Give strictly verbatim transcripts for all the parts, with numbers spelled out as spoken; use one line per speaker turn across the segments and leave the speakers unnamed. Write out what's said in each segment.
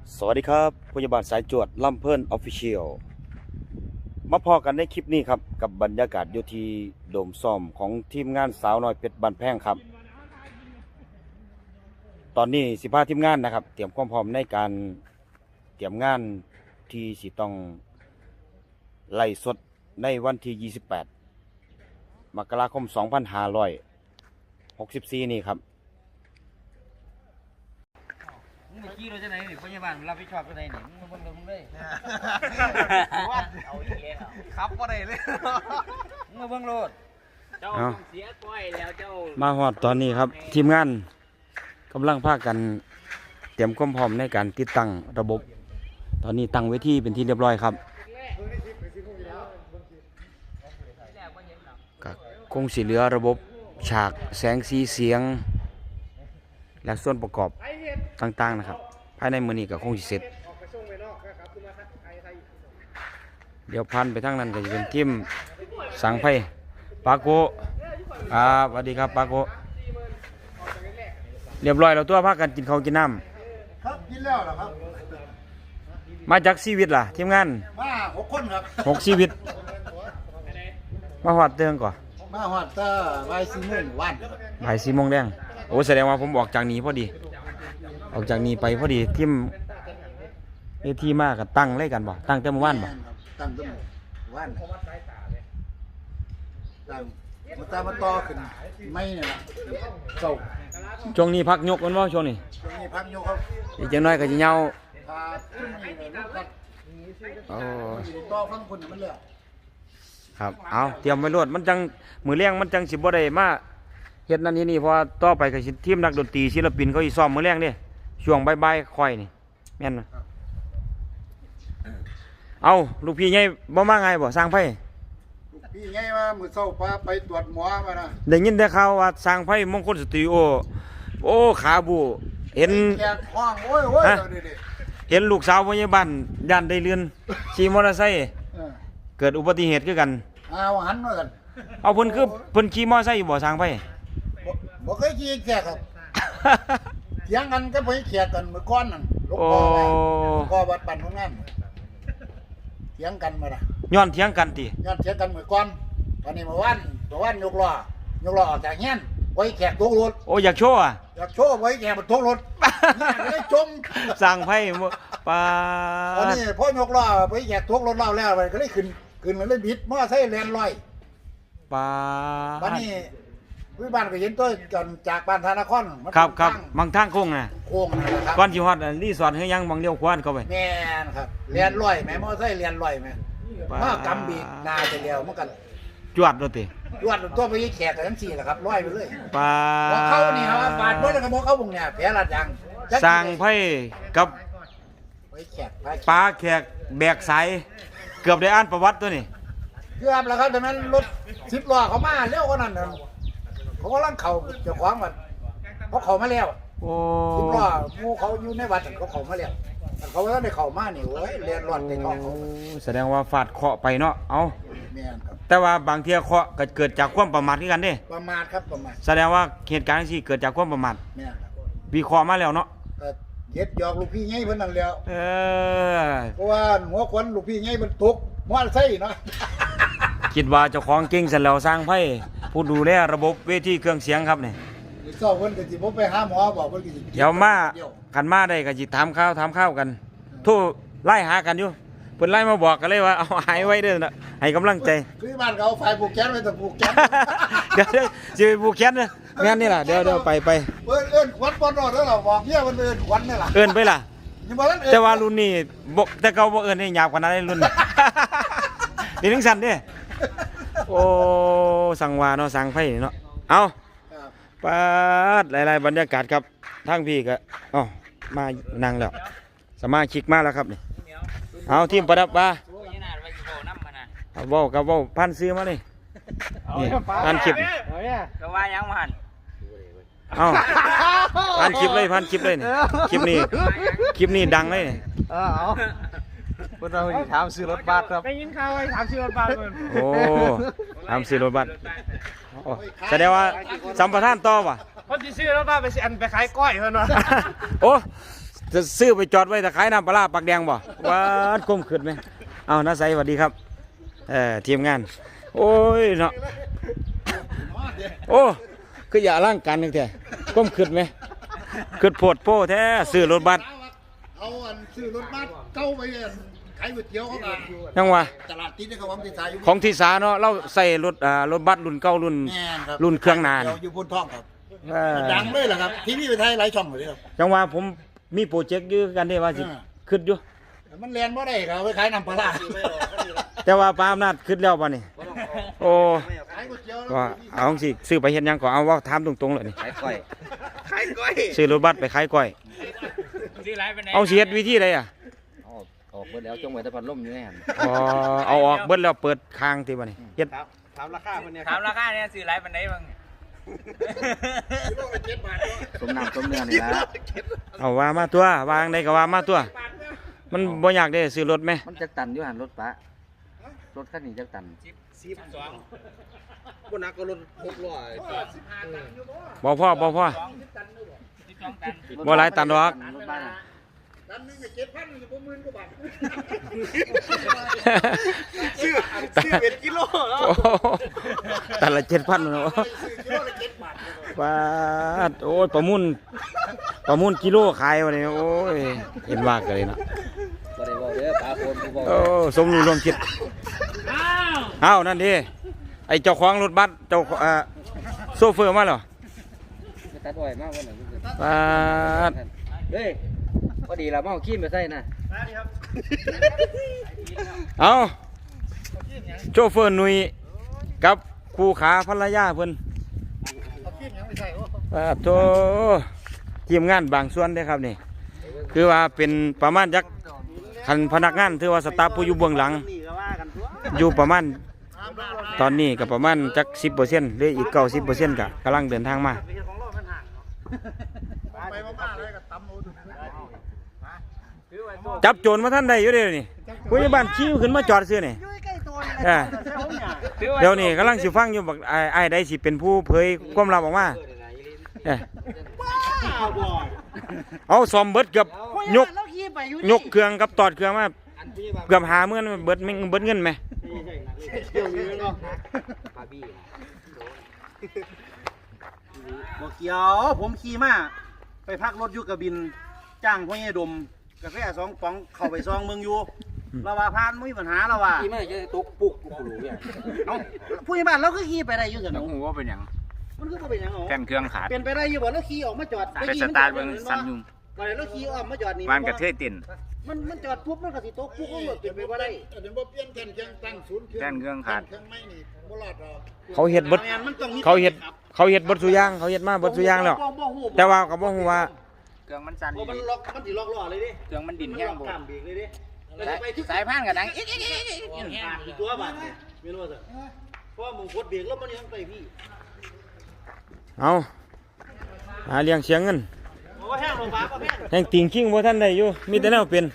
สวัสดีครับพยาบาลสายจวดลำเพิ่นออฟฟิเชียลมาพอกันในคลิปนี้ครับกับบรรยากาศอยู่ที่โดมซ้อมของทีมงานสาวน้อยเพชรบ้านแพงครับตอนนี้สิพาทีมงานนะครับเตรียมความพร้อมในการเตรียมงานที่สิต้องไล่สดในวันที่ยี่สิบแปดมกราคมสองพันห้าร้อยหกสิบสี่นี่ครับ
มึงไปขี้เราจะไหนหนิพยาบาลรับผิดชอบจะไหนหนิมึงมาเบิ่งมึงเลยเอาอีกแล้วครับว่าไรเลยมึงมาเบิ่งโลดเจ้าเสียก้อยแล้วเจ้า
มาฮอดตอนนี้ครับทีมงานกำลังพากันเตรียมความพร้อมในการติดตั้งระบบตอนนี้ตั้งเวทีเป็นที่เรียบร้อยครับก็คงสิเหลือระบบฉากแสงสีเสียงและส่วนประกอบต่างๆนะครับภายในมือนี้ก็คงสิเสร็จเดี๋ยวพันไปทางนั้นก็จะเป็นทีมสังไพ่ปาโกครับสวัสดีครับปาโกเรียบร้อยแล้วตัวพากันกินข้าวกินน้ำ
ครับกินแล้วเหรอครับ
มาจากชีวิตล่ะทีมงาน
มาหกคนครับ
หกชีวิตมาหอดเตืองก่อน
มาหอดตาใบซีโมงวัน
ใบสี่โมงแดงโอ้แสดงว่าผมออกจากนี้พอดีออกจากนี้ไปพอดีทีมเอทีมากกับตั้งเลยกันบ่ตั้งแต่เมื่อวานบ่
ตั้งแต่เมื่อวานตั้งมาตามาต่อขึ้นไม่เนี่ยนะเก่า
ช่วงนี้พักยกกันบ่ช่วงนี้
ช่วงนี้พักยกครับ
อีกจังน้อยก็จะเหงา
พาขึ้นนี่เลยลูกครับ
โอ้
ต่อฟังคนมันเลย
ครับเอาเตรียมไว้รวดมันจังมือเลี้ยงมันจังสิบ่ได้มาเฮ็ดนั่นนี่นี่เพราะต่อไปก็สิทีมนักดนตรีศิลปินเขาสิซ้อมมือเลี้ยงเด้ช่วงบ่ายๆค่อยนี่แม่นบ่เอาลูกพี่ใหญ่บ่มาไงบ่สร้างไผ
พี่ไงว่ามือเศร้าพาไปตรวจหมอมานะ
ได้ยินได้ข่าวว่าสร้างไผมงคลสตูดิโอโอ้ขาบูเห็น
แขกห้องโอ้ยโอ้ย
เห็นลูกสาวพยาบาลย่านได้เรือนขี่มอเตอร์ไซค์เกิดอุบัติเหตุคือกัน
เอาหันมากัน
เอาเพิ่นคือเพิ่นขี่มอเตอร์ไซค์อยู่บ่สร้างไผ
บ่เคยขี่แขกครับเถียงกันก็ไปแขกกันเมื่อก่อนนั่นลูกพ่อไปลูกพ่อวัดปั่นของงานเถียงกันมาละ
ย้อนเถียงกันติ
ย้อนเถียงกันเมื่อก่อนตอนนี้เมื่อวานเมื่อวานยกล้อยกล้อออกจากเงี้ยไว้แขกตกรถ
โอ้อยากโชว์อ่ะ
อยากโชว์ไว้แขกมันตกรถเลยจม
สร้างไผปา
ตอนนี้พ่อยกล้อไว้แขกตกรถเล่าแล้วไปก็เลยขึ้นขึ้นมันเลยบิดมอไซค์แล่นลอย
ปา
บ้านนี้วิบ้านก็เห็นตัวกันจากบ้านธนคร
ครับครับบางทางโค้งน่ะ
โค้งนะครับ
ก่อนสิฮอดรีสอร์ทเฮือยังบางเลี้ยวขวานเข้าไป
แม่นครับแล่นลอยแม่มอไซค์แล่นลอยแม่มากำบีนาจะเดียวมันกัน
จวดรถติ
จวดตัวไปแขกกันทั้งสี่แหละครับลอยไปเลย
ปา
เขานี่ครับบาดเบิ้ลกับมอเขาบุงเนี่ยแผลลาดยาง
สร้างไผกับปลาแขกแบกสายเกือบได้อ่านประวัติตัวนี้
เกือบแล้วครับแต่นั้นรถสิบล้อเขามาเร็วกว่านั้นเขาก็ลังเข่าเจ้าของมันเขาเข่ามาแล้วสิบล้อมูเขาอยู่ในวัดเขาเข่ามาแล้วเขาก็ได้เข่ามานี่เว้ยเรียนรอดในท้องเขา
แสดงว่าฟาดเคาะไปเนาะเอา
แม่นครับ
แต่ว่าบางทีเคาะก็เกิดจากความประมาทกันเด้
ประมาทครับประมาท
แสดงว่าเหตุการณ์ที่เกิดจากความประมาท
แม่นครับ
วิเคราะห์มาแล้วเนาะ
เย็ดหยอกลูกพี่ไงเพิ่นนั่นแล้ว
เออ
เพราะว่าหัวควันลูกพี่ไงมันตกมอไซค์เนาะ
คิดว่าเจ้าของเก่งเสร็จแล้วสร้างไพ่ผู้ดูแลระบบเวทีเครื่องเสียงครับนี่
เจ้าเพิ่นก็สิบ่ไปหาหมอบอกเพิ่นก็สิ
เดี๋ยวมากันมาได้ก็สิถามข้าวถามข้าวกันโทรไล่หากันอยู่เพิ่นไล่มาบอกกันเลยว่าเอาหายไว้เด้อนะให้กำลังใจ
คือบ้านเขาไฟผูกแขนไว้แต่ผูกแขน
เดี๋ยวสิไปผูกแขนเด้องั้นนี่ล่ะเดี๋ยวเดี๋ยวไปไป
เอิ้นเอิ้นขวัญบ่รอดแล้วล่ะบอกเฮียมันเอิ้นขวัญนี่ล่ะ
เอิ้นไปล่ะแต่ว่ารุ่นนี้บ่แต่เก่าบ่เอิ้นให้หยาบกว่านั้นรุ่นนี่ถึงสั่นเด้โอ้สั่งวาเนาะสั่งไฟเนาะเอาปาดหลายๆบรรยากาศครับทั้งพี่ก็อ๋อมานั่งแล้วสมาชิกมาแล้วครับนี่เอาทีมประดับว่าเอาเว้ากับเว้าพันซื้อมาเลยนี่พันคลิป
ก็ว่ายังมัน
เอาพันคลิปเลยพันคลิปเลยนี่คลิปนี้คลิปนี้ดังเลย
เออเอาพวกเราถามซื้อรถบัสครับ
ได้ยินข่าวว่าถามซื้อรถบัสเลย
โอ้ถามซื้อรถบัสแสดงว่าสัมปทานต่อว่ะ
เพราะที่ซื้อรถบัสไปสิอันไปขายก้อยเพิ่นว่า
โอ้จะซื้อไปจอดไว้แต่ขายน้ำปลาร้าปากแดงบ่ว้าดก้มขึ้นไหมเอาน้าใสสวัสดีครับเออทีมงานโอ้ยเนาะโอ้คืออย่าร่างกันนึงแท้ก้มขึ้นไหมขึ้นโพดโป้แท้ซื้อรถบัส
เอาอันซื้อรถบัสเก้าไปอันขายก๋วยเตี๋ยวเขามา
ยังวะ
ตลาดติดในเขาวังติดสายอยู่
ของที่สาเนาะเราใส่รถอ่ารถบัสรุ่นเก่ารุ่น
แม่นครับ
รุ่นเครื่องนาน
เดี๋ยวอยู่บนท้องครับ
เออ
ดังเลยเหรอครับทีวีไปไทยหลายช่องเลยครับ
จังว่าผมมีโปรเจกต์อยู่กันได้ว่าสิ
อ่า
ขึ้นอยู่
แต่มันเรียนบ่ได้ครับไปขายน้ำปลาร้า
แต่ว่าปลาอำนาจขึ้นแล้วป่ะนี่โอ้
ขายก๋วยเตี๋ยว
ว่าเอาสิซื้อไปเห็นยังก็เอาว่าถามตรงๆเลยนี่
ขายก้อยขายก้อย
ซื้อรถบัสไปขายก้อย
ซื้อไรไปไหน
เอาสิเฮ็ดวิธีใดอ่ะ
ออกออกเบิดแล้วจงไว้แต่พัดลมอยู่ในหัน
อ๋อเอาออกเบิดแล้วเปิดคางติบ่นี่เฮ็ด
ถามราคาคนเนี้ย
ถามราคาเนี่ยซื้อไรไปไหนบ้าง
สมน้ำสม
เนื้อนี่ละ
เอาว่ามาตัววางได้ก็ว่ามาตัว มันบ่อยากได้ซื้อรถไหม
มันจักตันอยู่หันรถปะรถคันนี้จักตัน
สิบสองบนนักก็รถหกร้อย
บ่พ่อบ่พ่อบ่หลายตันดอก
รถบ้านอะ
ดันหนึงก็เจ็ดพันอยู่ประมาณกว่าบาท
ซื้อซื้อเป็นกิโลแล้ว
โอ้โหแต่ละเจ็ดพันเนาะ
ซื้อกิโลละเจ็ดบาท
บาทโอ้ยประมูลประมูลกิโลขายวันนี้โอ้ยเห็นว่ากันเลยเนาะ
บ่ได้บอกเด้อปลาโคนผู้บอก
โอ้สมรู้ร่วมคิดอ้าวนั่นดิไอเจ้าของรถบัสเจ้าเอ่อโซเฟอร์มาเหรอ
ไม่ตัดอ้อยมากวันไหน
บาท
เฮ้ยพอดีเราเมาขี้ไปใส่นะ
เอาโชเฟอร์หนุ่ยกับครูขาภรรยาเพิ่น
เอาขี้ยังไม่ใช่โอ้
บาทโตทีมงานบางส่วนเด้อครับนี่คือว่าเป็นประมาณจักคันพนักงานถือว่าสตาฟผู้อยู่เบื้องหลัง
นี่ก็ว่ากันตัว
อยู่ประมาณตอนนี้ก็ประมาณจักสิบเปอร์เซ็นต์หรืออีกเก้าสิบเปอร์เซ็นต์ก็กำลังเดินทางมา
ไปมากๆเลยก็ตำเอาดู
จับโจรมาท่านใดอยู่เดี๋ยวนี้ผู้ใหญ่บ้านชี้ขึ้นมาจอดซื้อนี่เออเดี๋ยวนี้กำลังสิฟังอยู่บักไอ้ไอ้ใดสิเป็นผู้เผยความลับออกมาเออเอาซอมเบิดเกือบยกยกเครื่องกับตอดเครื่องมาเกือบหาเมื่อนเบิดเบิดเงินไหม
ปลาบี้
บอกเกี่ยวผมขี่มาไปพักรถอยู่กระบินจ้างพ่อใหญ่ดมกาแฟสองป๋องเข้าไปซองเมืองอยู่เราว่าพานไม่มีปัญหาเราว่า
ขี้ไม่จะตกปุกกูรู้เนี่ย
เอ้าผู้ใหญ่บ้านเราก็ขี่ไปได้อยู่กัน
น้อง
เนาะ
หูว่าเป็นหยัง
มันก็บ่เป็นหยังหรอ
แท่นเครื่องขาด
เป็นไปได้อยู่บ่เราขี่ออกมาจอด
ไปสตาร์ทเบิ่งสั่นยุ่ง
มาเลยเราขี่ออกมาจอดนี่
บ้านกระเทยติ่น
มันมันจอดปุ๊บมันก็สิตกปุ๊บมันก็เป็นไปบ่ได้
เดี๋ยวบ่เปลี่ยนแทนเครื่องตั้งศูนย์เครื่อง
แท่นเครื่องขาด
เครื่องไม่นี่บ่รอดหรอก
เขาเห็ดเบิด
แม่นมันต้องมี
เขาเห็ดเขาเห็ดเบิดสุอยางเขาเห็ดมาเบิดสุอยางแล้ว
บ่บ่ฮู้
แต่ว่าเขาบอกว่า
เครื่องมันสั่น
บ่มันล็อกมันสิล็อกล้อเลยดิ
เครื่องมันดิน
มัน
แห้ง
ล็อก
บ่
กล้ามเบรกเลยดิ
สายพานกับดังอีก
อีกตัวบาดนี่ไม่รู้ว่าจะเพราะว่ามึงกดเบรกแล้วมันยังไปพี่
เอาหาเลี้ยงเสียงเงิน
บอกว่าแห้งลงฟ้าบ่แห้ง
แห่งติงคิงบ่ท่านได้อยู่มีแต่แนวเป็น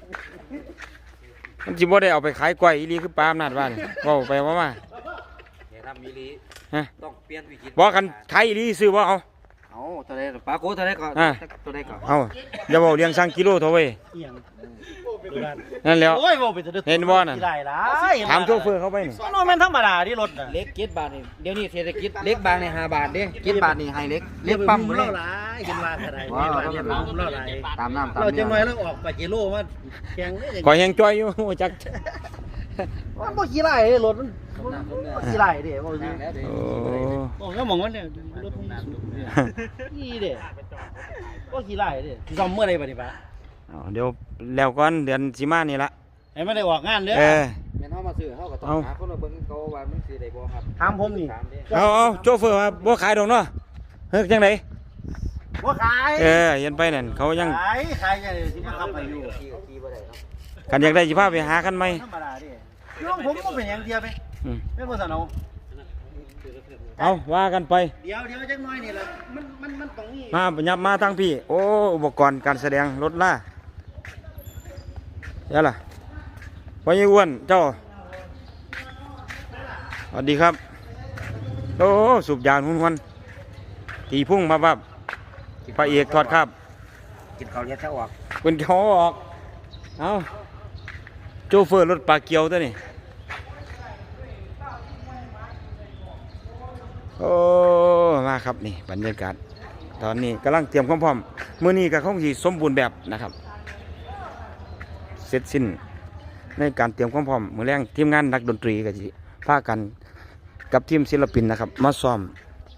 มันสิบ่ได้เอาไปขายกล้วยอีหลีคือปลาอำนาจว่านี่เว้าไปว่ามา
อย่าทำมีลี
ฮะ
ต้องเปลี่ยนวิธี
บ่กันขายอีหลีซื้อบ่เอา
เอาตัวใดปลาโคตัวใดก่อน
อ่า
ตัวใดก่อน
เอาอย่าเว้าเลี้ยงสั่งกิโลเท่าเว้ย
เอียง
นั่นแล้ว
โอ้ยบ่เป็นตะดึก
เห็นบ่นั่น
ได้ล่ะ
ถามโชเฟอร์เขาไปนี่
มันบ่แม่นธรรมดาที่รถน่ะ
เล็กเจ็ดบาทนี่เดี๋ยวนี้เศรษฐกิจเล็กบางนี่ห้าบาทเด้เจ็ดบาทนี่ให้เล็กเล็กปั๊มหมดเล
เล่าย หลายเห็นว่าก็ได้
ว้าว
เห็นว่าเนี่ยเล่าหลาย
ตามน้ำตาม
เราจะ
เนื้
น้อย
อ
แล้วออกไปกิโลมาแข่งเลย
ขอยแฮงจ้อยอยู่ บ่จัก
มันบ่ขี้ไล่เด้รถมัน
ต้มน้ำต้มเนื้อ
บ่ขี้ไล่เด้บ่
นั่งแล้วเด้
โอ้
โอ้ก็มองว่าเนี่ยรถมันสูงนี่เด้บ่ขี้ไล่เด้สิซ่อมเมื่อใดบัดนี้ปะ
เอาเดี๋ยวแล้วก่อนเดือนสิมานี่ละ
ให้มันได้ออกงานเด้อ
เออ
แม่นเฮามาซื้อเฮาก็ต้อง
เอา
หาคนมาเบิ่งเขาว่ามันสิได้บ่ครับ
ถามผมนี่
ถามเด้
เอาเอาโชเฟอร์ว่าบ่ขายดอกเนาะเฮ้ยจังได
บ่ขาย
เออเห็นไปนั่นเขายัง
ขายขายจังได๋สิมาขับไปอยู่
ขี่ก็ขี่บ่ได้เนาะ
กันอยากได้สิพาไปหากันไหม
ธรรมดาเด้น้องผมบ่เป็นหยังเทียไป
อืม
เป็นบ่ซั่นเอา
เอาว่ากันไป
เดี๋ยวเดี๋ยวจักหน่อยนี่ล่ะมันมันมันต้องมี
มายับมาทางพี่ โอ้ อุปกรณ์การแสดงรถล่าเดี๋ยวล่ะพ่อใหญ่อ้วนเจ้าสวัสดีครับ โอ้ สูบยางหุ่นวันตีพุ่งมาบับพระเอกทอดครับ
กินข้าวเลี้ยงถ้าออก
เพิ่นเขาออกเอาโชเฟอร์รถปลาเกียวตัวนี้โอ้มาครับนี่บรรยากาศตอนนี้กำลังเตรียมความพร้อมมื้อนี้ก็คงสิสมบูรณ์แบบนะครับเสร็จสิ้นในการเตรียมความพร้อมมื้อแรงทีมงานนักดนตรีก็สิพากันกับทีมศิลปินนะครับมาซ้อม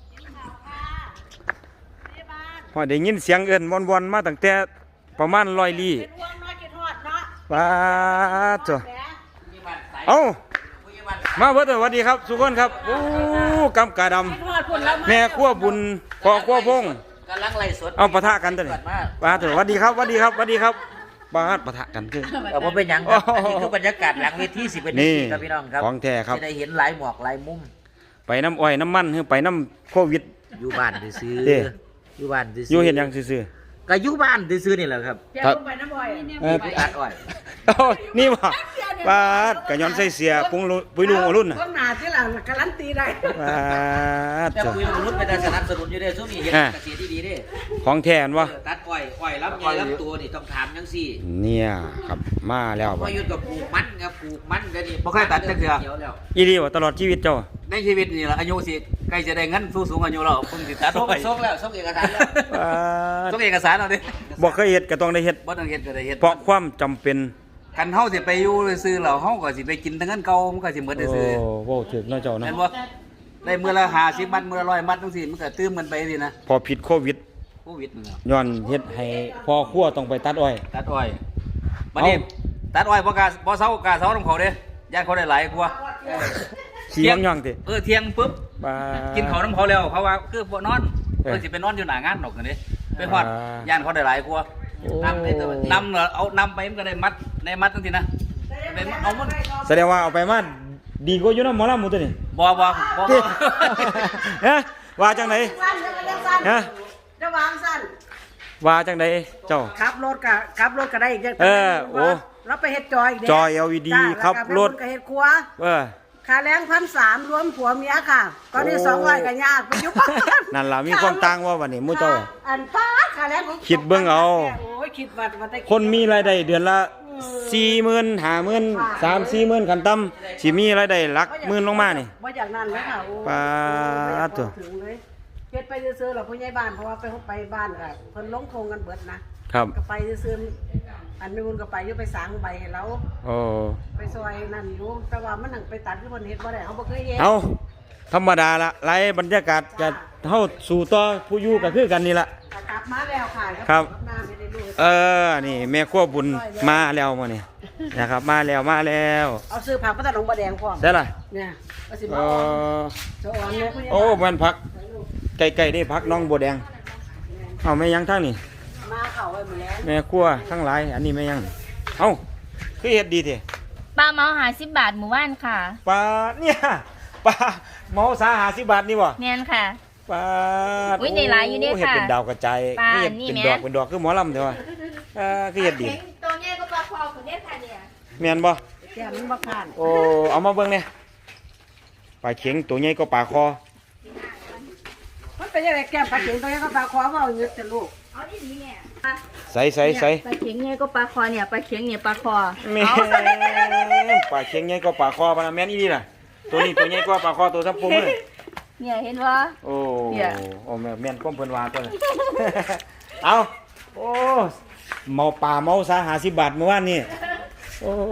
พอได้ยินเสียงเอิ้นวอนๆมาตั้งแต่ประมาณร้อยลี้ว้าจ้ะเอ้ามาเบิดสวัสดีครับทุกคนครับโอ้กำกาดำแม่ขั้วบุญพ่อขั้วพง
กำลังไล่สด
เอาปะทะกันตัวนี้ปะทะสวัสดีครับสวัสดีครับสวัสดีครับบ้านปะทะกันคือ
เออบ่เป็นหยังครับอันนี้คือบรรยากาศหลังเวทีสิเป็น
นี่
นี่ครับพี่น้องครับ
ของแท้ครับ
จะได้เห็นหลายหมอกหลายมุม
ไปน้ำอ้อยน้ำมันหรือไปน้ำโควิด
อยู่บ้านซื้อ
เด้
อยู่บ้านซื้อ
อยู่เห็นหยังซื่อ
ก็อยู่บ้านซื้อนี่แหละครับ
ๆครับเออ
ตัดอ้อย
โอ้ยนี่บ่ปาดกะย้อนใส่เสียปุ้งลุปุยลุงอรุ่นน่ะ
ต้องหนาที่หลังการันตีได้
ปาด
แต่
จ้ะ
คุยลงรุดไปแต่สนับสนุนอยู่เด้ซุ่มนี่เฮ็ด
อ่า
เกษตรดีๆเด้
ของแท้อันวะ
เออตัดอ้อยอ้อยลำใหญ่ลำตัวนี่ต้องถามจังซี่
เนี่ยครับมาแล้ว
พ
บ่
อหยุดกับปลูกมันครับปลูกมันก็นี่บ่เคยตัดจักเทื่อ
อีดีบ่ตลอดชีวิตเจ้า
ในชีวิตนี่ล่ะอายุสิใกล้จะได้เงินสู้สูงอายุแล้วเพิ่งสิตัด
ส่ง
ไว้
ส่งแล้วส่งเอกสารแล้ว
ปาด
ส่งเอกสารเอาดิ
บ่เคยเฮ็ดก็ต้องได้เฮ็ด
บ่ต้องเฮ็ดก็ได้เฮ็ด
เพราะความจำเป็น
คันเฮาสิไปอยู่ซื่อๆแล้วเฮาก็สิไปกินแต่เงินเก่ามันก็สิหมด
โอ้
ซื่อ
โว้ถึกเนาะเจ้า
ๆ
เนาะ
แม่นบ่ได้มื้อละห้าสิบมัดมื้อละร้อยมัดจังซี่มันก็ตื้มกันไปสินะ
พอผิดโควิด
โควิดนี่ล่ะ
ย้อนเฮ็ดให้พ่อครัวต้องไปตัดอ้อย
ตัดอ้อยบัดนี้ตัดอ้อยบ่กล้าบ่เซากล้าเซานำเขาเด้ญาติเขาได้หลายกว่า
ขี้ย่องๆติ
เออเที่ยงปุ๊บ
ปาด
กินข้าวนำเขาแล้วเขาว่าคือบ่นอน
เออ
เพิ่นสิไปนอนอยู่หน้างานดอกกันเด้ไปฮอด
อ่า
ย่านเขาได้หลายกว่า
โอ้
นำได้ตัวมัน
นำเหรอเอานำไปมันก็ได้มัดในมัดจังซี่นะได้มัดเอามัน
แสดงว่าเอาไปมาดีกว่าอยู่นำหมอลำหมู่ตัวนี้
บ่บ่บ่
ติ ฮะว่าจังได
สั้นจะมาสั้น
ฮะ
จะวางสั้น
ว่าจังไดเจ้า
ขับรถกับขับรถก็ได้อีกอย่าง
เออโอ้
เราไปเฮ็ดจอยอีกเด้
จอย แอล อี ดี
จ้า
ขับรถ
แล้วก็ไปเฮ็ดครัว
เออ
ค่าแรงพันสามรวมผัวเมียค่ะตอนนี้สองร้อยก็ยากไปอยุบ
นั่นล่ะมีความต่างว่าวันนี้หมู่เจ้า
อันป้าค่าแรงของ
คิดเบิ่งเอา
โอ้ยคิดว่าว่าแต่
คนมีรายได้เดือนละสี่หมื่นห้าหมื่นสามสี่หมื่นขั้นต่ำสิมีรายได้หลักหมื่นลงมานี่
ว่าอย่างนั้นเลยค่ะโอ้
ปาดตัว
ถึงเลยเฮ็ดไปซื้อๆหรอผู้ใหญ่บ้านเพราะว่าไปไปบ้านค่ะเพิ่นลงโครงกันเบิดนะครับ ก็ไปซื้อๆอันนู้นก็ไปอยู่ไปสางใบให้เรา
โอ้
ไปซอยนั่นอยู่แต่ว่ามันหนังไปตัดที่คนเฮ็ดบ่ได้เขาบ่เคยเฮ็ด
เอาธรรมดาละไล่บรรยากาศจะเฮาสู่ต่อผู้อยู่ก็คือกันนี่ละ
กลับมาแล้วค่ะ
ครับ
น้าไม่ได้รู้
เออนี่แม่ครัวบุญมาแล้วมื้อนี้นะครับมาแล้วมาแล้ว
เอาซื้อผักมาตัดหนองบ่แดงพร้อม
ได้ล่ะ
เนี่ยว่าสิ
เอ
มาอ่อน
อ
จะอ่อนเนี่ยผู้ใหญ่
โอ้
บ้าน
มันผักไก่ๆได้ผักน้องบัวแดงเอาแม่ยังทั้งนี่
มาเข้าไว้หมดแล้ว
แม่ครัวทั้งหลายอันนี้แม่ยังเอ้าคือเฮ็ดดีแท้
ปลาเมาหาสิบบาทหมู่บ้านค่ะ
ปลาเนี่ยปลาเมาสาหาสิบบาทนี่บ่
แมนค่ะ
ปลา
อุ๊ยได้หลายอยู่เด้
โเฮ็ด
ค่ะ
เป็นดาวกระจาย
ปลา
เฮ็ด
นี่
เป็น
แม่
ดอกเป็นดอกคือหมอลำเด้อว่าเออคือเฮ็ดดี
ตัวนี้ก็ปลาคอคุณเด็ดค่ะเนี่ย
แม่นบ่
แก้มมันบ่ผ่าน
โอ้เอามาเบิ่งเนี่ยปลาเข็งตัวใหญ่ก็ปลาคอ
มันเป็นยังไงแก้มปลาเข็งตัวนี้ก็ปลาคอเว้าอยู่แต่ลูก
เอาดีดีเนี่ย
ใส่ใส่ใส่
ปลาเข็งเนี่ยก็ปลาคอเนี่ยปลาเข็งเนี่ยปลาคอ
แม่ปลาเข็งใหญ่ก็ปลาคอปะนะแม่นอีนี่ล่ะตัวนี้ตัวใหญ่กว่าปลาคอตัวซับปุ้มเลย
เนี่ยเห็นว่า
โอ้
เนี่ย
โอ้แม่แม่นก้มเพิ่นว่าตัวนี้ เอาโอ้เมาป่าเมาสาหาสิบบาทเมื่อวานนี่โอ้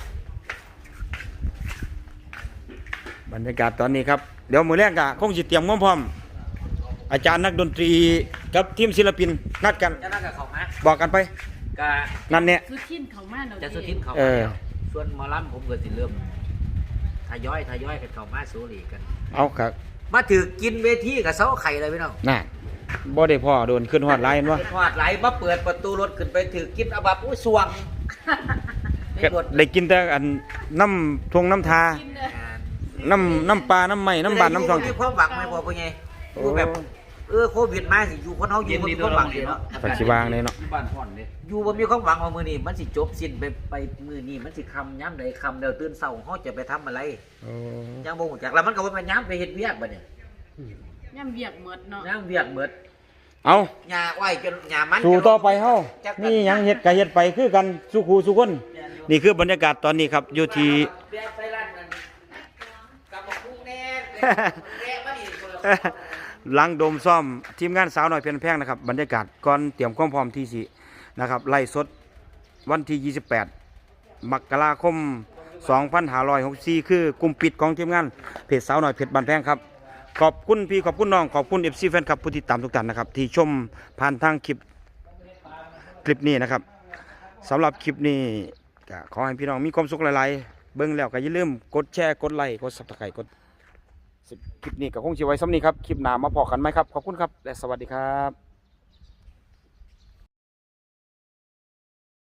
บรรยากาศตอนนี้ครับเดี๋ยวมื้อแรกก็คงสิเตรียมความพร้อมอาจารย์นักดนตรีกับทีมศิลปินนัดกัน
จะนั่งกับเขามา
บอกกันไป
ก็
นั่นเนี่ย
สุขินเขามาเนาะ
จะสุทินเขา
เอ
มา
อ
แล้วส่วนหมอลำผมก็สิเริ่มทยอยทยอยกันเข้ามาสูรีกัน
เอาครับ
มาถือกินเวทีกับเสาไข่เลยพี่น้อง
น่ะบ่ได้พ่อโดนขึ้นฮอดไลน์วะ
ทอดไหลมาเปิดประตูรถขึ้นไปถือกินเอาบับอุ้ยสวงไม่
ก็
กด
ได้กินแต่อันน้ำทวงน้ำทา น้ำน้ำปลา น้ำไม้น้ำบานน้ำทอง
มีความหวังไหมพ่อพ่อไงอยู่แบบเออโควิดมาสิอยู่คนเฮาอยู่บ่มีความหวังเลยเนาะ
ปัจจุบันเลยเนาะ
บ้านพ่อนเด้
อยู่บ่มีความหวังว่ามื้อนี้มันสิจบสิ้นไปไปมื้อนี้มันสิค่ำยามใดค่ำแล้วตื่นเช้าเฮาจะไปทำอะไร
โอ้
ยังบ่ฮู้จักแล้วมันก็บ่พยายามไปเฮ็ดเวียกบัดนี้
ย่ำเวียกหมดเนาะ
ยามเวียกหมด
เอา
หญ้าอ้อยจนหญ้ามัน
สู่ต่อไปเฮานี่หยังเฮ็ดก็เฮ็ดไปคือกันสู่ครูสู่คน นี่คือบรรยากาศตอนนี้ครับอยู่ที่
ไปร้านนั้นกับบักคุ้งแน่แน่มาดิ
หลังโดมซ่อมทีมงานสาวน้อยเพียนแพงนะครับบรรยากาศก่อนเตรียมความพร้อมที่สินะครับไล่สดวันที่ยี่สิบแปดมกราคมสองพันห้าร้อยหกสิบสี่คือกลุ่มปิดของทีมงานเพจสาวน้อยเพจบ้านแพงครับขอบคุณพี่ขอบคุณน้องขอบคุณ เอฟ ซี แฟนคลับผู้ติดตามทุกท่านนะครับที่ชมผ่านทางคลิปคลิปนี้นะครับสำหรับคลิปนี้ก็ขอให้พี่น้องมีความสุขหลายๆเบิ่งแล้วก็อย่าลืมกดแชร์กดไลค์กด ซับสไครบ์ กดคลิปนี้ก็คงจะไว้ซ้ำนี้ครับ คลิปหน้ามาพอกันไหมครับ ขอบคุณครับ และสวัสดีครับ